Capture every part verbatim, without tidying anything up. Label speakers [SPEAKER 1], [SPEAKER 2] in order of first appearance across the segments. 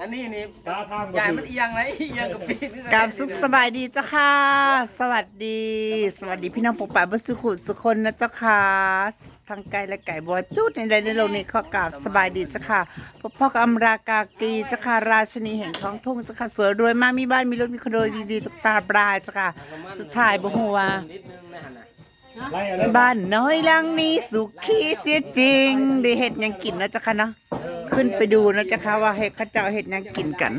[SPEAKER 1] อันนี้นี่
[SPEAKER 2] ตาทาง
[SPEAKER 1] ใหญ่มันเอียงไหมเอียงกับปีน
[SPEAKER 3] กราบสุขสบายดีเจ้าค่ะ สวัสดี สวัสดีพี่น้องปกป่าบุสุขุสุคนนะเจ้าค่ะทางไกลและไก่บัวจุดในใดในโลกนี้ขอกราบสบายดีเจ้าค่ะพ่อพ่อกำรากากีเจ้าค่ะราชนีแห่งท้องทุ่งเจ้าค่ะสวยรวยมากมีบ้านมีรถมีคอนโดดีๆตุกตาปลายเจ้าค่ะสุดท้ายบ่ฮู้ว่าบ้านน้อยหลังนี้สุขีเสียจริงได้เฮ็ดหยังกินนะเจ้าค่ะเนาะขึ้นไปดูนะเจ้าค่ะว่าเฮ็ดเขาเจ้าเฮ็ดหยังกินกัน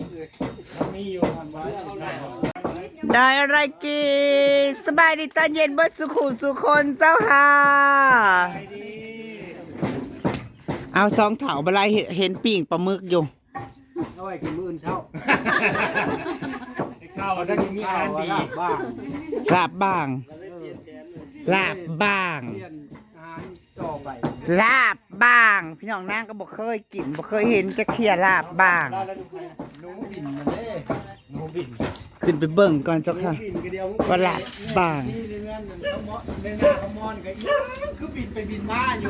[SPEAKER 3] ได้อะไรกินสบายดีตอนเย็นเบิดสุขุสุคนเจ้าค่ะเอาสองเถาบลายเห็นปิ่งปลาหมึกอยู่
[SPEAKER 4] เอาไว้กินมื้อเช้า
[SPEAKER 2] ข้าวถ้ากินมีอาหารดี
[SPEAKER 4] บ้าง
[SPEAKER 3] ลาบบ้างลาบบ้าง
[SPEAKER 4] เปลี่ยนอาหารต่อไป
[SPEAKER 3] ลาบบ้างพี่น้องนางก็บอกเคยกินบอกเคยเห็นจะเคลียร์ลาบบ้าง
[SPEAKER 4] หนูบินมาเด้
[SPEAKER 2] หมูบิน
[SPEAKER 3] ขึ้นไปเบิ่งก่อนเจ้าค่ะ
[SPEAKER 4] บินก็เดียว
[SPEAKER 3] ว่าลาบบ้าง
[SPEAKER 4] นี่ในงานนั่นเขาเมาะในหน้าเขามอนก็อีคือบินไปบินมาอยู่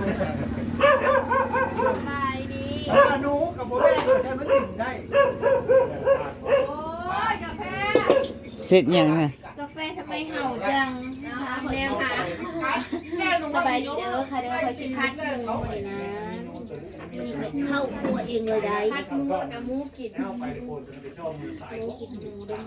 [SPEAKER 5] ไปดี
[SPEAKER 4] หนูกับพ่อแม่แต่มันบินได้
[SPEAKER 5] โอ้ยกาแฟ
[SPEAKER 3] เสร็จยังนะ
[SPEAKER 5] กาแฟทำไมเห่าจังนะคะแม่ค่ะสบายดีเด้อค่ะเด้อคอยสิพัดหมูเลยนะนี่เคยเข้าครัวเองเลยได้พัดหมูกับหมูกินหมูกินหมูด้วย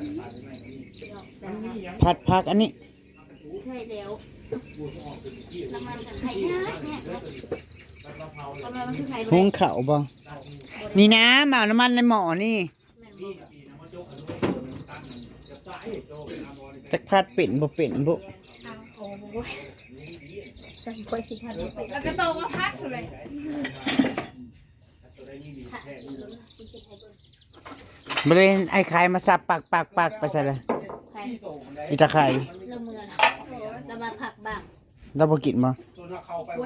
[SPEAKER 5] มือ
[SPEAKER 3] ผัดผักอันนี้
[SPEAKER 5] ใช่แล้วน้ำมันไข่นะเนี่ยน้ำมันคือไข่
[SPEAKER 3] หุงข้าวบ่นี่นะมาเอาน้ำมันในหม้อนี่จักพัดเป็นบ่เป็นบ่
[SPEAKER 5] โอ้โหสั่งคอยสิพัดแล้วก็โตมาพัดเลย
[SPEAKER 3] บริเวณไอ้ไข่มาสับปากปากปากไปใส่เลย
[SPEAKER 5] ใคร
[SPEAKER 3] อีตาไข่
[SPEAKER 5] เริ่มมือแล้วมาผักบ้าง
[SPEAKER 3] เราบ่กินบ่
[SPEAKER 5] ชุ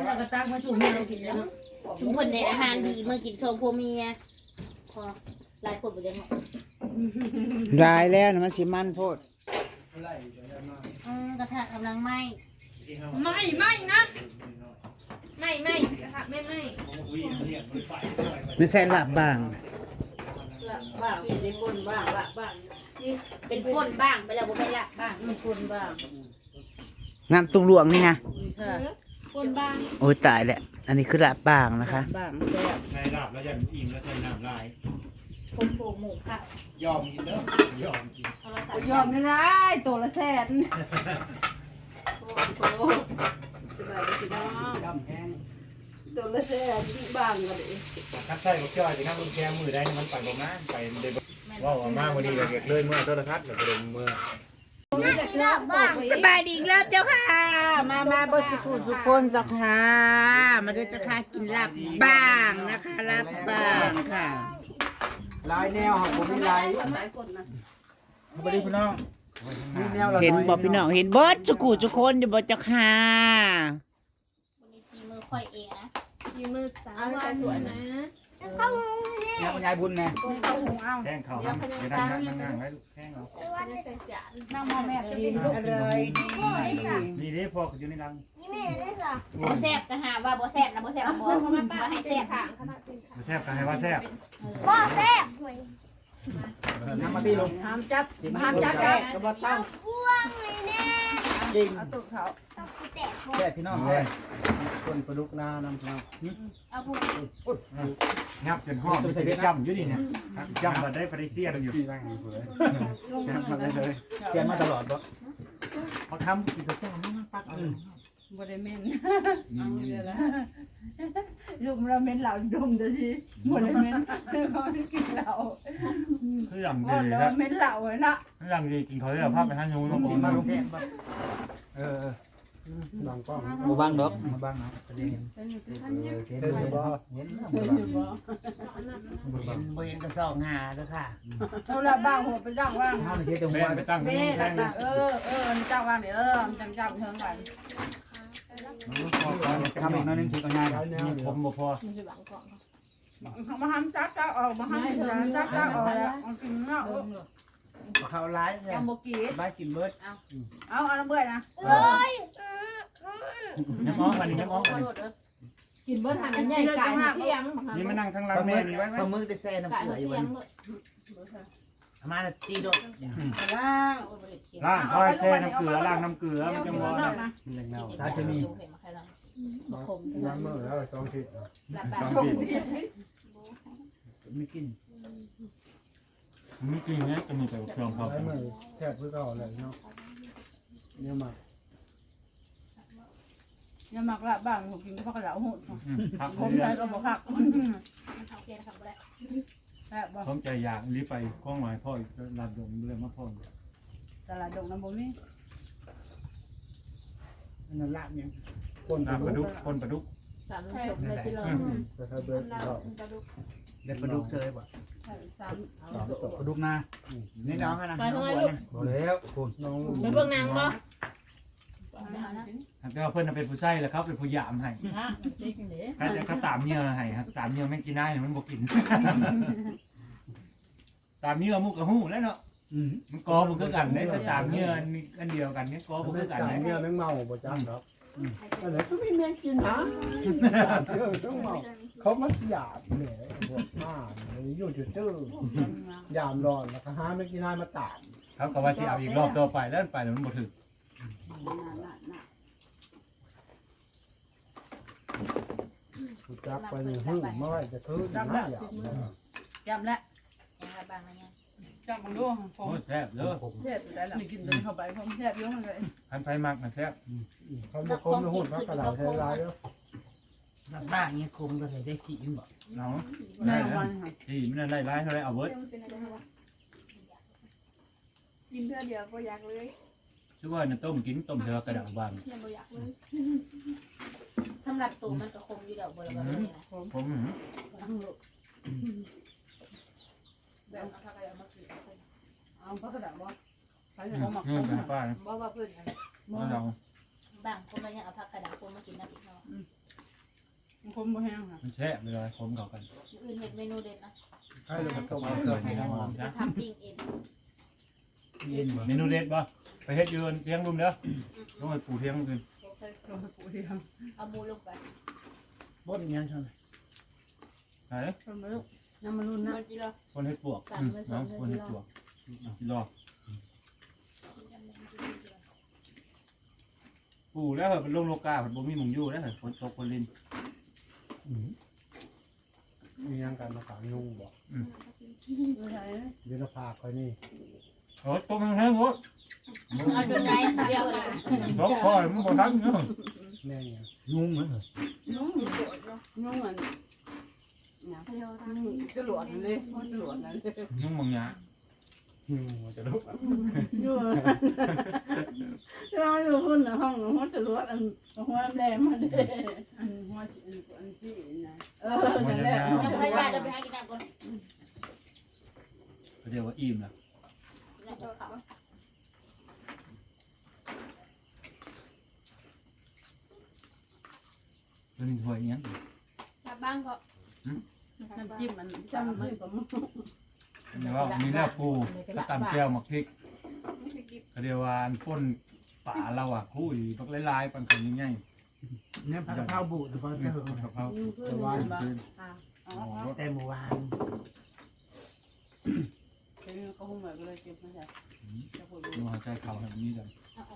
[SPEAKER 5] มคนในอาหารดีเมื่อกินโซโพเมียพอหลายคนไปเลยเนาะ
[SPEAKER 3] ลายแล้วนะมันสิมันโพด
[SPEAKER 5] อืมกระทะกำลังไหม้ไม่ไม่นะไม่ไม่กระทะไม่ไหม้
[SPEAKER 3] นี่ใส่ลาบบ้าง
[SPEAKER 6] บ้างเป็นคนบ้างละบ้าง
[SPEAKER 5] เป็นป่นบ้างไปแล้วบ่ไปละบ้าง
[SPEAKER 6] มันคนบ้าง
[SPEAKER 3] น้ำตุ้งหลวงนี่นะ
[SPEAKER 5] ป่นบ้าง
[SPEAKER 3] โอ้ยตายแหละอันนี้คือลาบบ้างนะคะ
[SPEAKER 6] บ้างแซ่บ
[SPEAKER 2] ในลาบแล้วยันอิ่มแล้วใส่น้ำลาย
[SPEAKER 5] ผมโปหมูค่ะ
[SPEAKER 2] ยอมกินเด้อยอมกิน
[SPEAKER 5] โทรศัพท์
[SPEAKER 6] ยอมไม่ได้ตัวละแสนโอ้โหสบายดีน้อง
[SPEAKER 4] ดำแห้ง
[SPEAKER 6] ตัวละแสนบ้างก็ดี
[SPEAKER 2] คัดใส่กับจ้อยสิครับคุณแกมือได้มันปั่นประมาณไปเดบว่าว่ามาวันนี้เราเก็บเลยเมื่อโทรทัศน์เราเดินเมื่อ
[SPEAKER 3] สบายดีอีกแล้วเจ้าค่ะ มามาบสุขุสุคนเจ้าค่ะมาด้วยเจ้าค่ะกินลาบบ้างนะคะลาบบ้างค่ะ
[SPEAKER 4] ลายแนวของผมมีลาย
[SPEAKER 2] สวัสดีพี่น้อง
[SPEAKER 4] มีแนวละ
[SPEAKER 3] เห็นบ่พี่น้องเห็นเบิดสุขุสุคนอยู่บ่เจ้าค่ะ
[SPEAKER 5] วันนี้ซีมือค่อยเองนะซีมือสามวันนะ
[SPEAKER 4] แนวคุณยายบุญแน่
[SPEAKER 6] เอาหุงเอา
[SPEAKER 2] แข้งเขาครับเดี๋ยวนั่งนั่งนั่งไว้แข้งเขา
[SPEAKER 6] นั่งมองแม่กินอะไรดี
[SPEAKER 2] ดีเด้พออยู่ในรัง
[SPEAKER 5] บ่แซ่บก็หาว่าบ่แซ่บนะบ่แซ่บบ่บ่ให้แซ่บค่ะ
[SPEAKER 2] แซ่บกันให้ว่าแซ่บ
[SPEAKER 5] บ่แซ่บ
[SPEAKER 4] น้ำมาตีลง
[SPEAKER 6] ห้ามจับ
[SPEAKER 4] ห้ามจับได้กระบอกตั้งจริง
[SPEAKER 6] เอาตุกเขา
[SPEAKER 4] แค่พี่น้องแค่คนประดุกนาน้ำพี่น้อง
[SPEAKER 6] เอาพูด
[SPEAKER 2] งับจนห้องมันจะจำอยู่นี่เนี่ยจำมาได้ปริเซียนอยู่จำมาได้เลย
[SPEAKER 4] เขียนมาตลอดปะ
[SPEAKER 2] เขาทำกิจกรรมนี่มันปัก
[SPEAKER 6] บริเมนเอาเดี๋ยวละลูกเราเมนเหล่าดมจะทีบริเมนเขาที่กินเหล่า
[SPEAKER 2] คืออย่าง
[SPEAKER 6] โอ้
[SPEAKER 2] ดี
[SPEAKER 6] เรา
[SPEAKER 2] นะ
[SPEAKER 6] เมนเหล่าเลยนะ
[SPEAKER 2] คืออย่างดีกินเขาเรียกภาพไปท่านยูลง
[SPEAKER 4] กิ
[SPEAKER 2] กิ
[SPEAKER 4] น
[SPEAKER 2] น
[SPEAKER 4] มา
[SPEAKER 2] มา
[SPEAKER 4] ล
[SPEAKER 2] ล
[SPEAKER 4] ง
[SPEAKER 2] ง
[SPEAKER 4] เออลองกล้องมาบ้างดอกมาบ้างนะเห็นเห็นบ่เห็น
[SPEAKER 3] เห็นบ่เห็นกระซองหาเด้อค่ะ
[SPEAKER 6] เราละบ้างหัวไปจ้างว่าง
[SPEAKER 4] ห้ามเทียตรง
[SPEAKER 2] แม่
[SPEAKER 4] หัว
[SPEAKER 2] ไปตั้ง
[SPEAKER 6] เด้ละเออเออจ้างว่างเดี๋ยวเออจังจังเทิงกัน
[SPEAKER 4] ทำอีกน้อยนึงทีก็ง่าย
[SPEAKER 2] ผมบ่พอ
[SPEAKER 6] มาห้ามจับจับออกมาห้ามจับจับออกแล้วกินเนาะ
[SPEAKER 4] เขาร้ายเลย
[SPEAKER 6] ยังโมกี้
[SPEAKER 4] บ้ากินเบิร์ด
[SPEAKER 6] เอาเอาน้ำเบื่อนะ
[SPEAKER 2] น้ำอ้อมวันนี้น้ำอ้อมวันนี้
[SPEAKER 6] กิกินเบิ้ลหันใหญ่ไก่เที่ยง
[SPEAKER 2] นี่มานั่งข้างหล่างแม่นี่ไว้ไหม
[SPEAKER 4] ปลาหมึกได้แซ่น้ำ
[SPEAKER 5] ไก่
[SPEAKER 4] เกลืออยู่
[SPEAKER 5] เที่
[SPEAKER 4] วั
[SPEAKER 5] ย
[SPEAKER 4] น
[SPEAKER 5] งเลย
[SPEAKER 4] มาละตีโดด
[SPEAKER 6] ล่าง
[SPEAKER 2] ล่างค่อยแช่น้ำเกลือล่างน้ำเกลือมันจะมอนะ
[SPEAKER 4] มันแรงเน่า
[SPEAKER 5] ถ้าจะมีขม
[SPEAKER 7] น้ำมือแล้วสองทิศ
[SPEAKER 5] หลับแบบ
[SPEAKER 2] สองปี
[SPEAKER 4] ไม่กิน
[SPEAKER 2] มีกลิ่นเนี้ยจะมีแต่เครื่องพอ
[SPEAKER 7] ไอ้มือแทบเพื่อเขาเลยเนาะเนี่ยมา
[SPEAKER 6] อย่ามักละบ้างผมกินข้าวกระเหลาหุ่น
[SPEAKER 2] พัก
[SPEAKER 6] ผม
[SPEAKER 2] เรื่
[SPEAKER 6] ใช้
[SPEAKER 2] อย
[SPEAKER 6] ก็บอกหัก
[SPEAKER 5] โอเคนะครับได้
[SPEAKER 6] แอบบอก
[SPEAKER 2] ๆผมใจอยากรีบไปกล้องหมายพ่อรับดมเรื่องมาพ่อ
[SPEAKER 6] ตลาดดงน้ำบ่มี
[SPEAKER 4] นั่นละเนี่ย
[SPEAKER 7] คน
[SPEAKER 2] น้ำปลาดุกคนปลาดุก
[SPEAKER 5] สามจบเลยที่เรา
[SPEAKER 7] แต่ถ้าเบิร์ดเรา
[SPEAKER 4] ได้ปลาดุกเชยบ่
[SPEAKER 6] สาม
[SPEAKER 7] สามตก
[SPEAKER 4] ปลาดุกนานี่น้องนะ
[SPEAKER 5] ไปทำไมลูก
[SPEAKER 7] หมดแล้วคุณน้อง
[SPEAKER 5] ไปเบิ่งนางบ่
[SPEAKER 2] แต่ว่าเพื่อนเป็นผู้ใช้แหละครับเป็นผู้ยามให้ถ้าจะเขาตามเนื้อให้ครับตามเนื้อไม่กินได้มันบ่กิน ตามเนื้อมุกกระหู้แล้วเนาะ
[SPEAKER 4] อืม
[SPEAKER 2] มันกอมันคือกันได้แต่ตามเนื้ออันเดียวกันเนี่ยกอมัน
[SPEAKER 7] ไม่
[SPEAKER 2] คือกัน
[SPEAKER 7] จ่าย
[SPEAKER 2] ได้
[SPEAKER 7] เงี้ยแมงเมาประจำครับอะไรก็ไม่แม่กินนะเรื่องต้องเมาเขามัดหยาบเนี่ยพวกหน้าอยู่จุดจื้อยามร้อนแล้วก็หาไม่กินได้มาตาม
[SPEAKER 2] เขาก็ว่าที่เอาอีกรอบต่อไปแล้วไปแล้วมันบ่ถึง
[SPEAKER 7] กูจับไปหนึ่งหึ่งไม่ไหวจะคืนนะหยาบ
[SPEAKER 6] จำแล้ว
[SPEAKER 5] ยังระบางอะไรเงี้ย
[SPEAKER 6] จำมันดูผ
[SPEAKER 2] โอ้
[SPEAKER 6] ม
[SPEAKER 2] แซ่บเด้อ
[SPEAKER 6] แซ่บได้ละกินตัวเข้าไปผมแซ่บเยอะเลย
[SPEAKER 2] คันไฟมักนะแซ่บ
[SPEAKER 7] เขาไม่คมไม่หุ่นมากกระดาษใช้ลายแล้ว
[SPEAKER 4] น้ำบ้าเงี้ยคมก็ได้ขี้บ่
[SPEAKER 2] เนาะ
[SPEAKER 6] ใน
[SPEAKER 2] ได้
[SPEAKER 6] วั
[SPEAKER 2] นะ
[SPEAKER 6] น
[SPEAKER 2] ที่มันได้ร้ายเท่าไรเอาเบิร์ด
[SPEAKER 8] กินเพื่อเดียวก็อยากเลย
[SPEAKER 2] ชื่อว่าน้ำต้มกินต้มเทือกระดับบาง
[SPEAKER 8] ยังไม่อยากเลย
[SPEAKER 5] สำหรับตัวมันก็คมอยู่ดอกบัวละบัวนะ
[SPEAKER 2] ผม
[SPEAKER 6] เอาพักกระดาษบ่ใส่ข
[SPEAKER 2] นี่
[SPEAKER 6] องหมัก
[SPEAKER 2] นี่เป็นป้านะ
[SPEAKER 5] บ่ว่าเพื่อน
[SPEAKER 2] มาเรา
[SPEAKER 5] บางคนมันยังเอาผักกระดาษคนมากินน้ำพริกเนาะ
[SPEAKER 6] คมบ่แห้งค่ะ
[SPEAKER 2] มันแซ่บเลยผมเขากัน
[SPEAKER 5] อื่นเห็ดเมนูเด็ดนะ
[SPEAKER 7] ให้เราต้ม
[SPEAKER 2] เอาเกินให้น้ำหอม
[SPEAKER 5] จะ
[SPEAKER 2] จ้ะ
[SPEAKER 5] ทำปิ้งเอง
[SPEAKER 4] เย็นบ่
[SPEAKER 2] เมนูเด็ดป่ะไปเฮ็ดยืนเทียงรุมเด้อต้องไปปูเทียงคืน
[SPEAKER 6] ตัวปูเทียม
[SPEAKER 5] เอาหมูลงไป
[SPEAKER 4] บ่นยังเท่าไหร่
[SPEAKER 2] ไหน
[SPEAKER 6] คนมาลูกน้ำมันรุ่นนะ
[SPEAKER 5] มันจีรอ
[SPEAKER 2] คนเฮ็ดปวกน้องคนเฮ็ดปวกรอปูแล้วเหรอเป็นลงโลกาเป็นบ่มีหมุงยู่แล้วเหรอคนตกคนลิน
[SPEAKER 7] มียังการมาขายนุ่งบอก
[SPEAKER 6] ไม่ใช่
[SPEAKER 7] เดี๋ยวพาคอยนี่
[SPEAKER 2] โอ้ต้มแห้งๆโอ้
[SPEAKER 5] เอาจนไรเดียวเลย
[SPEAKER 2] ร้องคอยมันบ่ทันเนาะ
[SPEAKER 7] แม่เนี่ย
[SPEAKER 4] ยุ่งมั้ยเหรอ
[SPEAKER 6] นุ่งนุ่งอันนุ่งจรวดเลยจรวดนั่นเลย
[SPEAKER 2] นุ่งบางอย่าง
[SPEAKER 7] อืมมันจะลุก
[SPEAKER 6] อยู่เราอยู่คนในห้องหัวจรวดอันหัวแดงมาเด้อันหัวอันที่นะเออนั่นแหละ
[SPEAKER 5] ยังพยายามจะไปหากินน้ำก่อน
[SPEAKER 2] เดี๋ยวว่าอิ่มนะ
[SPEAKER 5] แล้วก็เขา
[SPEAKER 2] ตัวนี้ถ้วยยัง
[SPEAKER 8] กลับบ้านก็
[SPEAKER 6] น้ำจิ้มมันจำไม่ผม
[SPEAKER 2] เดี๋ยวว่ามีหน้าปูกระตำแก้วหมักพริก
[SPEAKER 8] ไม่กิน
[SPEAKER 2] กระเดียววานป่นป่าเราอ่ะคู่อีปักลายๆปันคนง่าย
[SPEAKER 4] เนี่ยผัดกะเพราบูดหรือเปล่า
[SPEAKER 2] ๆเนี่ยกะเพรา
[SPEAKER 7] แต่ว่า
[SPEAKER 4] แต่เมื่อวาน
[SPEAKER 6] เป็นก็คงแบบเลยเก็บมาจากจะพูด
[SPEAKER 2] ดูหายใจเขาแบบนี้กัน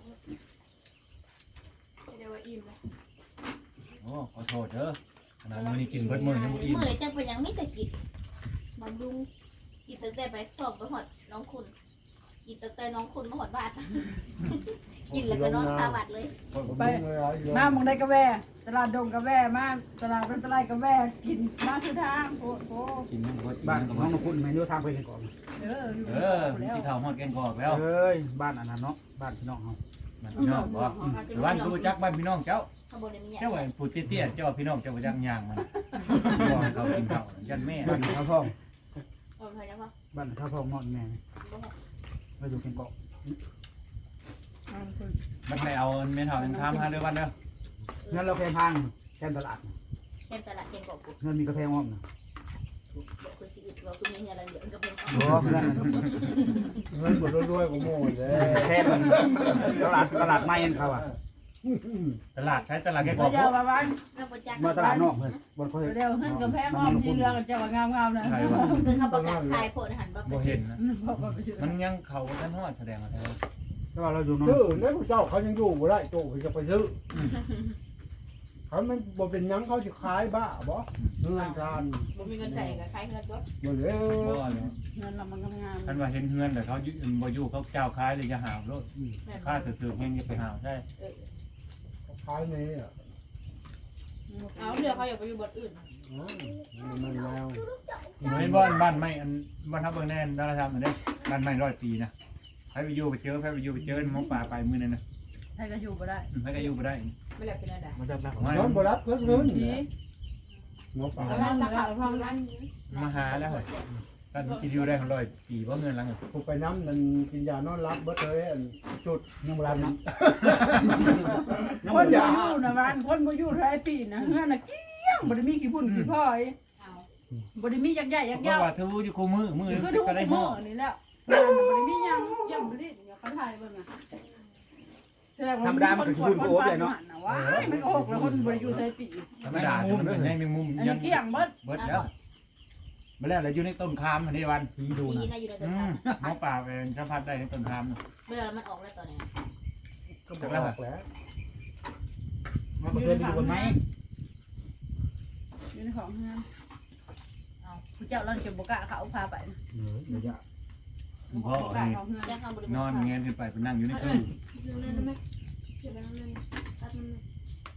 [SPEAKER 8] เดี๋ยวว่าอิ่มเลย
[SPEAKER 2] โอ้ขอโทษเด้อขนาดมื้อนี้กินเบิดมื้อยังบ่อิ่ม
[SPEAKER 5] เมื่อไรจังเป็นยังมีแต่กิน
[SPEAKER 8] บำรุง
[SPEAKER 5] กินตั้งแต่ไปสอบไปหอดน้องคุณกินตั้งแต่น้องคุณมาหอดบ้านกินแล้วก็นอนตาบัดเลย
[SPEAKER 6] ไปมามึงได้กาแฟตลาดดงกาแฟมาตลาดเป็นตลาดกาแฟกินมาคือทางโอ้โห
[SPEAKER 2] กินยังบ่
[SPEAKER 4] บ้า
[SPEAKER 2] บ้าน น
[SPEAKER 4] ของน้องคุณไม่รู้ทางไปกันก่อน
[SPEAKER 6] เออ
[SPEAKER 2] เออมีที่เท่าฮอดแกงกอกแล้ว
[SPEAKER 4] เอ้ยบ้านอันนั้นเนาะบ้านพี่น้องเฮา
[SPEAKER 2] บ้านพี่น้องบ่บ้านกูบ่จักบ้านพี่น้องเจ้า
[SPEAKER 5] ข้างบนเนี่ยมี
[SPEAKER 2] เจ้าว่าผู้เตี้ยๆเจ้าพี่น้องเจ้าบ่จักย่างมันบ่ให้เขากินข้าวยันแม่
[SPEAKER 4] บ้านข้าวพ่อง
[SPEAKER 5] โอ้ยนะพ่อ
[SPEAKER 4] บ้านข้าวพ่องนอนแม่ไปดูกันเกาะ
[SPEAKER 2] มันไม่เอาเมนเท่ายังทำหาเด้อบ้านเด้อ
[SPEAKER 4] งั้นเราแค่ทางแค่ตลาด
[SPEAKER 5] เต็มตลาดเต็มกบกู
[SPEAKER 4] เงินมีกาแฟอ้อมนะ
[SPEAKER 5] บอกคุณสิอึดเราคุณมีเงินอะไรเดี๋ยวก็เป็น
[SPEAKER 4] โอ้เงิน
[SPEAKER 7] เงินหมดรวยๆของโม่เลย
[SPEAKER 4] แค่มันตลาดตลาดไม้เขาอ่ะ
[SPEAKER 2] ตลาดใช้ตลาดแก
[SPEAKER 6] เดี๋
[SPEAKER 2] บอก
[SPEAKER 6] ยวว่าวัน
[SPEAKER 5] เราประจักษ์
[SPEAKER 4] มาตลาดนอกเพิ่นบ่ค่อย
[SPEAKER 6] เดี๋ยวขึ้นกับแพงอ้อมที่เรือกันจะว่างามๆนะ
[SPEAKER 2] ใช่ว่า
[SPEAKER 5] คือเขาประจักษ์ขายโพดอาหารบ่
[SPEAKER 2] บ่เห็นนะ
[SPEAKER 6] บอกว่าไปซื้อ
[SPEAKER 2] มันยังเขาท่านฮอดแสดงอะไร
[SPEAKER 4] แต่ว่าเราอยู่นอก
[SPEAKER 7] ซื้อแล้วเจ้าเขายังอยู่บ่ได้โตเขาจะไปซื้อเขามันบ่เป็นหยังเขาสิขายบ้าบ่เงินทาน
[SPEAKER 5] บ่มีเงินใส่ก็ขายเงินบ่
[SPEAKER 7] บ่เลย
[SPEAKER 2] บ่เนาะ
[SPEAKER 6] เงินเรามันงาม
[SPEAKER 2] ท่านว่าเห็นเฮือนแต่เขาอยู่บ่อยู่เขาเจ้าขายเลยจะหาวโลดค่าถือๆแฮงจะไปหาวใช่
[SPEAKER 7] ขายนี่อ่ะ
[SPEAKER 5] เอาเรือเขาอยากไปอยู่บนอื่น
[SPEAKER 7] มันแล้ว
[SPEAKER 2] เห็นบ้านบ้านไม่อันบ้านทับเบิ่งแน่นดาราธรรมอันนี้บ้านไม่ร้อยปีนะใครไปอยู่ไปเจอใครไปอยู่ไปเจอหมอป่าไปมื้อนั้นนะ
[SPEAKER 6] ให้ก็อยู่บ่ได้
[SPEAKER 2] ใครก็อยู่บ่ได้
[SPEAKER 5] ไม่แล้วเป็นอะไร
[SPEAKER 4] มันจะรัก
[SPEAKER 2] มา
[SPEAKER 7] น้องบ่รับเพิ่นเงิน
[SPEAKER 6] ดี
[SPEAKER 7] หมอปลา
[SPEAKER 5] แล้วตะขาบพร้อมนั้น
[SPEAKER 2] มาหาแล้วเหรอท่านคิดอยู่ได้ของร้อยปีบ่เงินหลัง
[SPEAKER 7] กูไปน้ำนั่นกินยานอนรับเบิดเลยอันจุด
[SPEAKER 4] ยังบ่รับนะ
[SPEAKER 6] คนบ่อยู่นะวันคนบ่อยู่หลายปีนะเฮือนน่ะเกี้ยงบ่ได้มีกี่พุ่นกี่พ่อยบ่ได้มียักษ์ใหญ่ยักษ์
[SPEAKER 2] เพ
[SPEAKER 6] ยา
[SPEAKER 2] ราะ
[SPEAKER 6] ว
[SPEAKER 2] ว่าทูอยู่คู่มือมือ
[SPEAKER 6] ก็ดู
[SPEAKER 2] ก็ได้
[SPEAKER 6] ได้
[SPEAKER 2] ห่
[SPEAKER 6] ห่
[SPEAKER 2] อ
[SPEAKER 6] อนี่แล้วงานบ่ได้มียังยังบ่ได้เดี๋ยวเขาถ่ายเบิ่งอ่ะธรรมดามันก็สิพุ่นโอ้เลยเนาะว้ายมันก็หกแล้วคนบ่ได้อยู่หลายปี
[SPEAKER 2] ธรรมดามันเป็นแมงมุม
[SPEAKER 6] อัน
[SPEAKER 2] ยั
[SPEAKER 6] นี้
[SPEAKER 2] ง
[SPEAKER 6] เกี้ยงเบิด
[SPEAKER 2] เบิดแล้วมาแล้วอยู่ในต้นคามอันนี้วัน
[SPEAKER 4] ผีดู
[SPEAKER 5] ดี
[SPEAKER 4] นะ
[SPEAKER 5] นะอยู่ในตัว
[SPEAKER 2] อื
[SPEAKER 5] ทาม
[SPEAKER 2] หมอป่าเป็นสัมผัสได้ในต้นคาม
[SPEAKER 5] เวลามันออกแล้วตอนนี้
[SPEAKER 7] ก็บอกแล้ว
[SPEAKER 4] มันบ่เคยไปอยู่บนไม้
[SPEAKER 6] อยู่ในของเฮือนเอาผู้เจ้าเราจะบ่กล้าเขาพาไป
[SPEAKER 4] เออเดี๋ยวจะ
[SPEAKER 2] พ่อ
[SPEAKER 6] บ่กล้า
[SPEAKER 2] นี่
[SPEAKER 6] เขาเฮือน
[SPEAKER 5] ยังทำบริ
[SPEAKER 2] นอนเงี้ยขึ้นไปไปนั่งอยู่ในตู้
[SPEAKER 8] นั่นนั่นไหมเดี๋ยวนั่นนั่นตัดมันเลย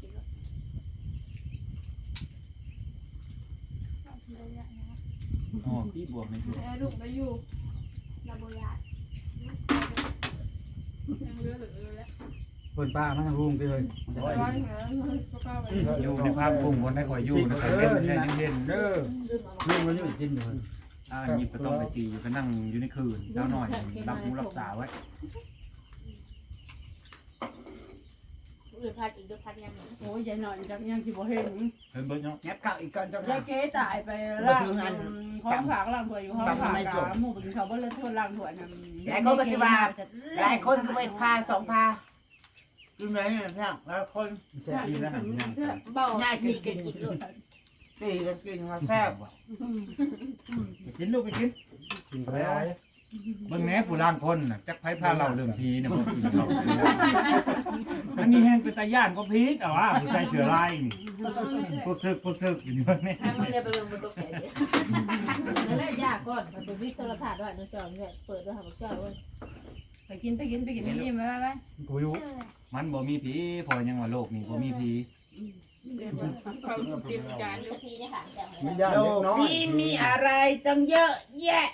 [SPEAKER 2] อ๋อพี่บวกในตู้
[SPEAKER 8] แอร์ลูกได้อยู่ลาโบยายังเลือเหลือเลยแล้ว
[SPEAKER 4] เพิ่นป้ามันรุงไปเลยมันจะ
[SPEAKER 8] ร้
[SPEAKER 4] ได้
[SPEAKER 8] อนเหรอก็เข้าไป
[SPEAKER 2] อยู่ในภาพปุ่มคนได้คอยอยู่นะครับเล่นเล่นเล่น
[SPEAKER 7] เด้อ
[SPEAKER 4] ลุงมันอยู่กินอยู่
[SPEAKER 2] อ่าหยิบก็ต้องไปตีอยู่ก็นั่งอยู่ในคืนเช้าหน่อยรับหูรับตาไว้
[SPEAKER 5] อื่นพัดอีกด้วยพัดยัง
[SPEAKER 6] โอ้ยยายหน่อยจักยังสิบ่เห็น
[SPEAKER 2] เฮ้ยเบิร์ดเนาะ
[SPEAKER 4] แงบข้าวอีกก่อนจัง
[SPEAKER 6] ยายเก๋ตายไปล่างห้องผักล่างถ้วยอยู่ห้องผักหมู่เป็นเขาบ่เลยถ้วยล่างถ้วยนั่น
[SPEAKER 3] หลายคนก็สิว่าหลายคนก็ไปพาสองพากินไหนเนี่ยพี่น้องหลายคน
[SPEAKER 2] ดีนะหันยัง
[SPEAKER 5] บอกดีกันกินลูก
[SPEAKER 3] ตีกันกินเขาแซ่บ
[SPEAKER 2] กินลูกไปกิน
[SPEAKER 7] กินไปแล้ว
[SPEAKER 2] เบิ่งแหน่ผู้ล่างคนน่ะจักไผพาเราเรื่องพีเนี่ยบ่กินเขาอันนี้แห้งเป็นตาย่านก็พีแต่ว่าผู้ใส่เชื้อลายนี่ปุ๊บซึกปุ๊บซึกอยู่นี่เนี่ย
[SPEAKER 5] ให้มึงเรียนไปเบิ่งบนโต๊ะแขก
[SPEAKER 6] นั่นแหละยากก่อนมันเป็นวิทย์โทรทัศน์ด้วยนึกจอมเนี่ยเปิดด้วยหาบอกเจ้าเว้ยไปกินไปกินไปกินนี่มาไป
[SPEAKER 2] กูอยู่มันบ่มีผีพอยังว่าโลกนี้บ่มีผี
[SPEAKER 8] เขาเตรียมจานอยู่
[SPEAKER 5] ทีนี่ค่ะแต่
[SPEAKER 7] มีญาติ
[SPEAKER 3] โล
[SPEAKER 7] เล็ก
[SPEAKER 3] ก
[SPEAKER 7] น้อย
[SPEAKER 3] นี้มีอะไรตั้งเยอะแยะ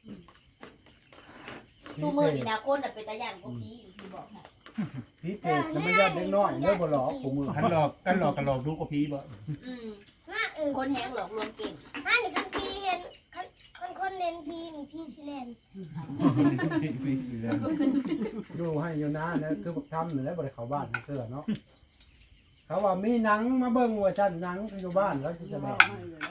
[SPEAKER 5] ตู้มือนี่นะคนเป็นตาย่างก็พีที่บอกค่ะ
[SPEAKER 7] พี่เป็ดจะไม่ญาติเล็กน้อยเด้อบ่หลอกกูมือ
[SPEAKER 2] คันหลอกกันหลอกกันหลอกดูก็ผีบ่
[SPEAKER 5] อืมคนแห้งหลอกลวงเก่ง
[SPEAKER 9] ถ้าหนึ่งคันพีเห็นคนคนเน้นพีหนึ่งพีชิเลน
[SPEAKER 7] ดูให้อยู่นะนะคือบักทำนี่แหละบ่ได้เข้าบ้านเสื้อเนาะเขาว่ามีหนังมาเบิ่งว่าซั่นหนังอยู่บ้านแล้วสิจะแบ่ง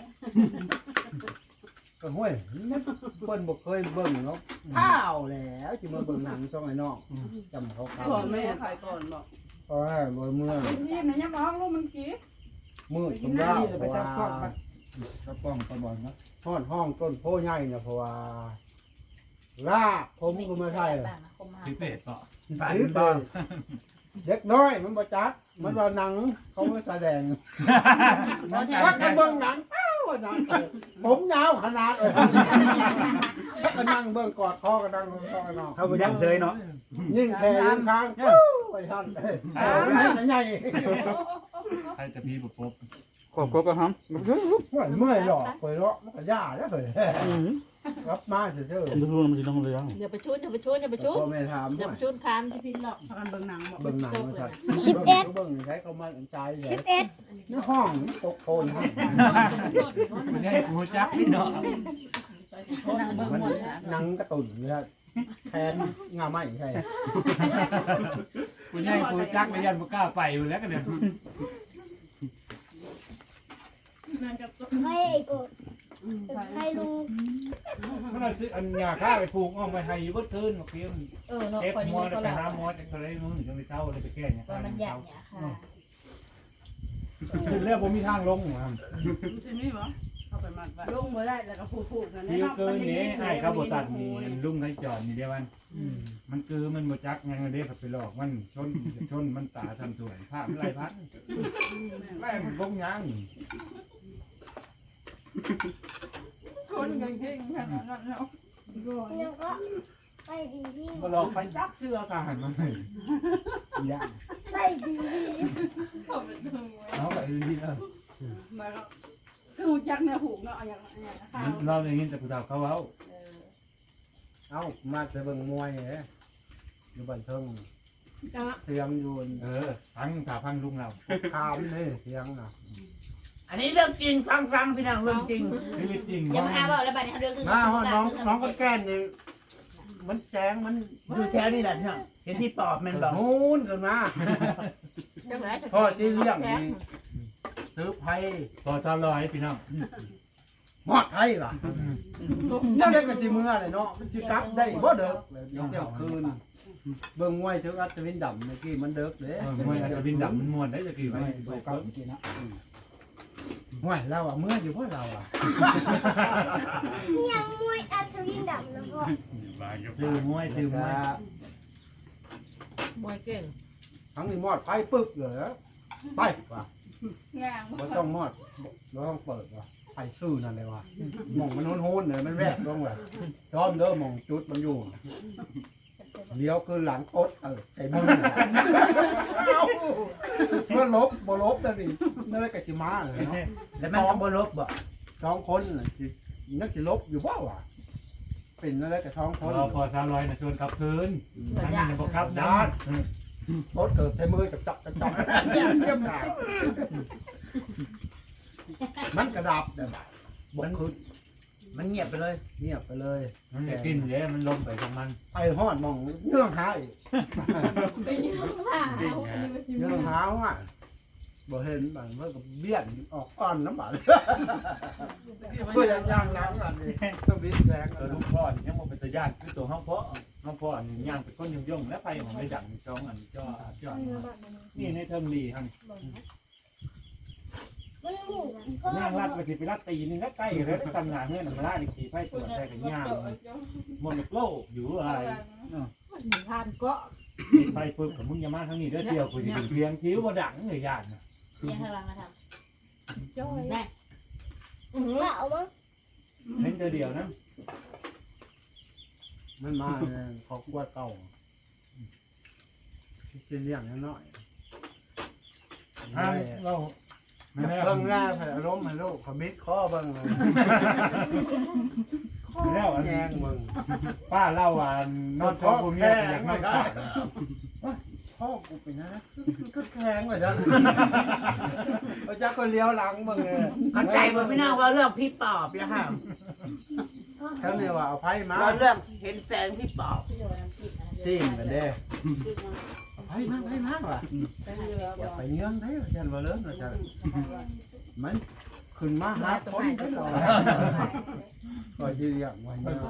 [SPEAKER 7] ก็ห้วยมันเพิ่นบ่เคยเบิ่งเนาะอ้าวแล้วสิมาเบิ่งหนังช่องไอ้น้องจำเขาเขา
[SPEAKER 6] พ่อแม่ใครก่อนบอก
[SPEAKER 7] เพราะว่าบ่เมื่อ
[SPEAKER 6] นี่มันยังมองลูกมันกี้
[SPEAKER 7] มืดสมดาวเพราะว่า
[SPEAKER 2] ก็ป้องตะบอนเนาะ
[SPEAKER 7] ห้อนห้องต้นโพใหญ่น่ะเพราะว่าลากผมก็ไม่ใช่เลย
[SPEAKER 2] พิเศษก็
[SPEAKER 7] หรือเป็นเด็กน้อยมันบ่จักมันว่าหนังเขาไม่แสดงว่ากันเบิ่งหนังเอ้าว่าหนังผมยาวขนาดเลยก็นั่งเบิ่งกอดคอกันนั่งคอกันนอน
[SPEAKER 4] เขาบ่ยังเฉยเนาะ
[SPEAKER 7] ยิ่งแค่ยิ่งค้างไปทันใหญ่
[SPEAKER 2] ใครจะพีบปุ๊บ
[SPEAKER 4] ขอบคุณครับ
[SPEAKER 7] เมื่อยหรอกไปเลาะมันก็ย่าแล้วเลยรับมาเฉย
[SPEAKER 4] มันรู้มันสิต้องเลย
[SPEAKER 6] อย่าไปชุดอย่าไปชุดอย่าไปชุด
[SPEAKER 7] พ่อแม่ถาม
[SPEAKER 6] อย่า
[SPEAKER 7] ว่า
[SPEAKER 6] ไปชุดคามที่พี่หลอกกันเบิ่งหนังบอก
[SPEAKER 7] เบิ่งหนังมาสัตว์
[SPEAKER 9] สิบเอ็ด
[SPEAKER 7] เบิ่งใช้เขามาใจใหญ่
[SPEAKER 9] สิบเอ็ด
[SPEAKER 7] ในห้องตกโคน
[SPEAKER 2] มันให้กูจักพี่เนาะ
[SPEAKER 6] หนังเบิ่งหมด
[SPEAKER 7] หนังกระตุ่นเลยแทนงาไม้ใช่
[SPEAKER 2] กูให้กูจักไม่ยันบ่กล้าไปอยู่แล้วกันเนี่ย
[SPEAKER 9] เฮ้ยกูให้ลุง
[SPEAKER 2] มันเอาซื้ออันยาฆ่าไปปลูกอ้อมไปให้อยู่บ่คืนบ่เพียง
[SPEAKER 5] เออเนาะ
[SPEAKER 2] เจ็บ
[SPEAKER 5] คน
[SPEAKER 2] หัว
[SPEAKER 5] นี้
[SPEAKER 2] แล้ว
[SPEAKER 5] ก็
[SPEAKER 2] ไป
[SPEAKER 5] แล้ว
[SPEAKER 2] หาหมอจังได๋มื้อจังได๋เช้าเลยไปแก้เนี่ย
[SPEAKER 5] ตอนมันอยากเนี่ยค่ะ
[SPEAKER 2] คือแล้วบ่มีทางลงครับ
[SPEAKER 6] ใช่ไหมบ่เข้าไปมัดไว้ลงบ่ได้แล้วก็พูดๆนั่นแห
[SPEAKER 2] ที่
[SPEAKER 6] ละ
[SPEAKER 2] เกินนี่ให้เขาบ่ตัดนี่ลุงให้จอดนี่เด้มันมันคือมันบ่จักยังเด้เขาไปหลอกมันชนชนมันตาทันสวยภาพไรพันไล่มันบ่ยัง
[SPEAKER 6] คนกันเก่งขนาดนั้นแล้ว
[SPEAKER 9] ยังก็ไปดีพี่
[SPEAKER 2] บ่หลอกไปจักเชื่อกันมันยาก
[SPEAKER 9] ไปดีพี่
[SPEAKER 6] เขาเป็นถึงไว้
[SPEAKER 2] เอาไปดีเออ
[SPEAKER 6] มาก็คือหูจักเนี่ยหูเนาะอย่างอย่างข้าว
[SPEAKER 2] เราได้ยินแต่ผู้สาวเขาเว้า
[SPEAKER 7] เอ้ามาจะเบิ่งมวยเหรออยู่บ้านเทิงเสียงอยู่
[SPEAKER 2] เออพังถ้าพังลุงเรา
[SPEAKER 7] ข้ามนี่เสียงน่ะ
[SPEAKER 3] อันนี้เรื่องจริงฟังฟังพี่น้องเรื่องจริง
[SPEAKER 2] ชีวิตจริง
[SPEAKER 5] อย่ามาหาบอกแล้วบัดนี้เขาเรื่อง
[SPEAKER 7] มาฮอดน้องน้องก็แก้นนี่มันแจ้งมัน
[SPEAKER 3] อยู่แถวนี่แหละพี่น้องเห็นที่ปอบแมันบอก
[SPEAKER 7] โน้นกันมาพ่อที่เลี้ยงนี่ซื้อไผ่
[SPEAKER 2] พอสาวลอยพี่น้อง
[SPEAKER 7] หมอดไผ่ล่ะแล้วได้กันสิเมื่อเลยเนาะมันสิกลับได้บ่เด้อเดี๋ยวคืนเบิ่งมวยถึงอัศวินดำเมื่อกี้มันเด้อเด้
[SPEAKER 2] เออมวยอาจจะบินดำมันมวนได้จะกี่ไว้
[SPEAKER 7] เก่าจริงนะมวยเราอ่ะเมื่ออยู่พวกเราอ่ะ
[SPEAKER 9] ยังมวยอัศวินดำแล้วก็
[SPEAKER 2] ซื้อมวยซื้อมวย
[SPEAKER 5] มวยเก่ง
[SPEAKER 7] ทั้งนี้มอดไผ่ปึ๊บเลยไปว่ะ
[SPEAKER 6] งาง
[SPEAKER 7] บ่ต้องมอดบ่ต้องเปิดว่ะไผ่ซื่อนั่นเลยว่ะหม่องมันโหนๆเลยมันแวกลงว่ะจอมเด้อหม่องจุดมันอยู่เลี้ยวคือหลังโอ๊ตเออไอ้มึงเมื่อลบบ่ลบแต่นี่นั่นแหละก็สิมาเลยเนาะ
[SPEAKER 3] แล้วมันก็บ่ลบบ่
[SPEAKER 7] สองคนน่ะสินักสิลบอยู่บ่วะเป็นนั่นแหละก็สองคน
[SPEAKER 2] รอพอสาวลอยนะชวนขับคืนทั้งนี้ยังบอกครับนะ
[SPEAKER 7] รถเกิดใช้มือกับจับจับจับเยี่ยมเยี่ยมหนามันกระดับเด้อบ่คือ
[SPEAKER 3] มันเงียบไปเลย
[SPEAKER 7] เงียบไปเลย
[SPEAKER 2] มันจะกินเลยมันลงไปของมัน
[SPEAKER 7] ไอ้ฮอดมองเนื่องหาอีก
[SPEAKER 6] ไปยืมผ้าเอาอันนี้มาจิ้ม
[SPEAKER 7] เนื่องหาว่ะบ่เห็นบัดเมื่อกับเบี้ยนออกอ่อนน้ำบาดเพื่อจะย่างล้างอันนี้ต้องบิดแรง
[SPEAKER 2] ตัวลูกพ่อยังบอกเป็นตัวญาติคือตัวห้องพ่อห้องพ่อนี่ย่างเป็นก้นย่องๆและไปของในดังจ้องอันจ้อจ้อนี่ในเทอมลีครับ
[SPEAKER 9] มันหมู
[SPEAKER 2] ย่างรัดไปสิไปรัดตีนี่ก็ใกล้แล้วทำงานเงี้ยมาล่าอีกทีไฟตัวแท้กันย่างมันโลกอยู่อะไร
[SPEAKER 6] ทานก็
[SPEAKER 2] ไฟปึ๊บกับมึงอย่ามาทางนี้เด้อเดียวกูจะเป็นเพียงคิ้วบ่ดังเลยญาตินะ
[SPEAKER 5] ยังข้างหลังมาทำจ้อยแม่
[SPEAKER 9] อือเหล่ามั้ง
[SPEAKER 2] เล่นเดียวนะ
[SPEAKER 7] มันมาเขากวดเก่ากินเลี้ยงน้อย
[SPEAKER 2] ห้ามเราไม่ได้
[SPEAKER 7] เบิ่งหน้าใส่อารมณ์ให้ลูกขมิดข้อเบิ่งเลย
[SPEAKER 2] ไม่ได้อัน
[SPEAKER 7] แยงเบิ่ง
[SPEAKER 2] ป้าเล่าว่านอนท้องผมเนี่ยอยากนอนขาด
[SPEAKER 7] พ่อกูเป็นนะก็แข็งเลยจ้ะพระเจ้าก็เลี้ยวหลังเบิ่งเลย
[SPEAKER 3] เข้าใจบ่พี่น้องว่าเรื่องพี่ปอบแล้วค่ะ
[SPEAKER 7] ท่านเนี่ยว่าเอาไพ่มา
[SPEAKER 3] ว่าเรื่องเห็นแสงพี่ปอบ
[SPEAKER 7] จิ้มกันเด้เอาไพ่มาไพ่มาว่ะอย่าไปเงี้ยงได้ยันว่าเลิศนะจ๊ะมันขึ้นมาหาคนก็ต่อก็ยืนอย่างวันนี้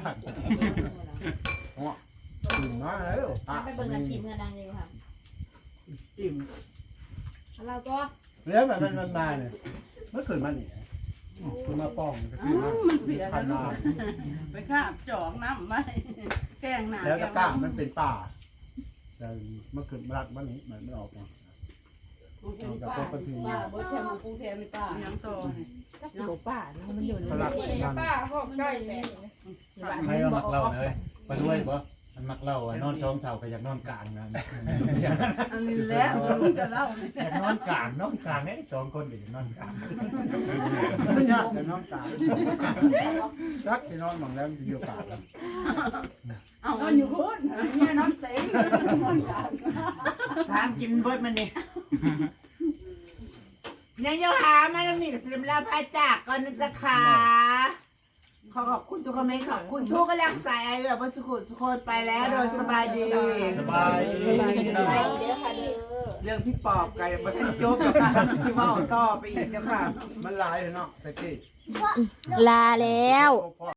[SPEAKER 7] ขึ้นมาแล้วอ่ะ
[SPEAKER 5] ไปเบิ่งกันจิ้มกันดังเลยค่ะ
[SPEAKER 7] จิ้ม
[SPEAKER 8] เราก็
[SPEAKER 7] เลี้ยงแบบมันมันมาเนี่ยเมื่อคืนมันนี่ขึ้นมาป้องก็ขึ้นมา
[SPEAKER 6] มันเปลี่ยน
[SPEAKER 7] พันนา
[SPEAKER 6] ไปคาบจอกน้ำมาแกงหนา
[SPEAKER 7] แล้วก็กล้ามมันเป็นป่าแต่เมื่อคืนรักมันนี่มันไม่ออกมาเอาจากพวกคนที่
[SPEAKER 6] ป้าบ่ใช่มันกรุงเทพไม่ป้ายังโต
[SPEAKER 8] โหป้ามันอยู่ใน
[SPEAKER 7] เขารักมัน
[SPEAKER 8] ป้าหอกใกล้เลย
[SPEAKER 2] ไม่เรามักเล่าเลยไปด้วยบ่มันมักเล่านอนท้องเท่ากับอยากนอนกลางนะ
[SPEAKER 6] อันนี้แล้วมันจะเล่า
[SPEAKER 2] อยากนอนกลางนอนกลางเนี่ยสองคนเดี๋ยวนอนกลาง
[SPEAKER 7] ไม่ยากแต่น้องตารักที่นอนหมองแล้วมีโอกาส
[SPEAKER 6] เอามันอยู่พุ่นเนี่ยน้ำเต็ง
[SPEAKER 3] ถามกินเบิดมันนี่ยังโยหามาแล้วนี่สิมลาพาจากก่อนนะจ๊ะค่ะขอขอบคุณทุกคอมเมนต์ขอบคุณทุกกำลังใจไอ้แบบว่าสุขุสุขคนไปแล้วโดยสบายดี
[SPEAKER 2] สบายดี
[SPEAKER 5] ไปเด้อค่ะเด้อ
[SPEAKER 3] เรื่องพี่ปอบไก่บัทันจบกับการที่ว่าต่อไปอีกนะค่ะ
[SPEAKER 7] มันหลายเลยเนาะตะกี้
[SPEAKER 5] ลาแล้ว